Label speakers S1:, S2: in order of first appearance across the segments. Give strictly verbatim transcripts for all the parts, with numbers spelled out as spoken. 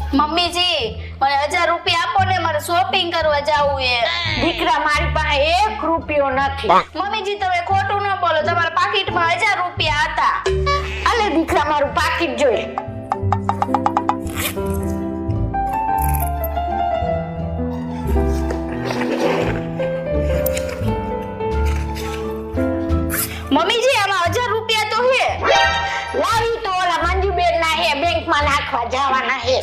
S1: Mummy जी મને હજાર રૂપિયા આપો ને મારે શોપિંગ કરવા જાવું છે।
S2: દીકરા મારી પાસે એક રૂપિયો નથી।
S1: મમ્મી જી તમે ખોટું ન બોલો તમારા પાકીટમાં હજાર રૂપિયા હતા।
S2: અલે દીકરા મારું પાકીટ જોઈ।
S1: મમ્મી જી આમાં હજાર રૂપિયા તો હે।
S2: લાવી તો ઓલા મંજુબેન ના હે બેંકમાં નાખવા જવાના હે।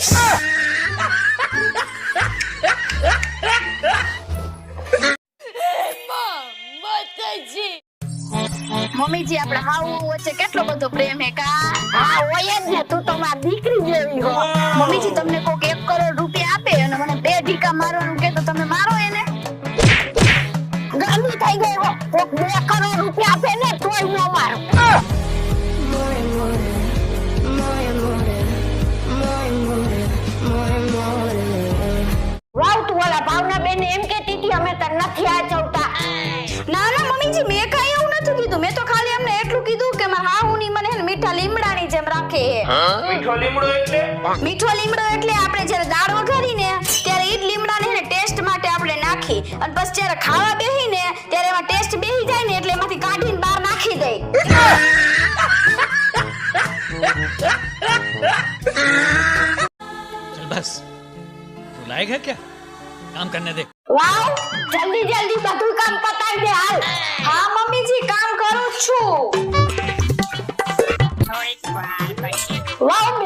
S1: મમ્મી જી આપણા હાવ વચ્ચે કેટલો બધો પ્રેમ હે કા?
S2: હા હોય જ ને, તું તો મારી દીકરી જેવી હો।
S1: મમ્મી જી તમને કોક એક કરોડ રૂપિયા આપે અને મને બે ઢીકા મારવાનું કે તો તમે મારો એને?
S2: ગાંડી થઈ ગઈ હો। કોક બે કરોડ રૂપિયા આપે ને તોય નો મારો। વાવ તું ઓલા ભાવના બેન એમ કહેતી હતી અમે તને નથી આચવતા।
S1: ના ના મમ્મી જી મેં કાઈ એવું નથી કીધું। મેં તો ખાલી એમને એટલું કીધું કે મારા હાહુની મને હે ને મીઠા લીમડાની જેમ રાખે હે।
S3: મીઠો લીમડો એટલે
S1: મીઠો લીમડો એટલે આપણે જ્યારે દાળ વઘારીને ત્યારે ઈ જ લીમડાને હે ને ટેસ્ટ માટે આપણે નાખી અને પછી જ્યારે ખાવા બેહીને ત્યારે એમાં ટેસ્ટ બેહી જાય ને એટલે એમાંથી કાઢીને બહાર નાખી દઈ।
S4: चल बस तू लायक है क्या काम करने दे।
S2: વાવ જલ્દી જલ્દી બધું કામ પતાવી દે હાલ।
S1: હા મમ્મી જી કામ કરું છું।
S2: વાવ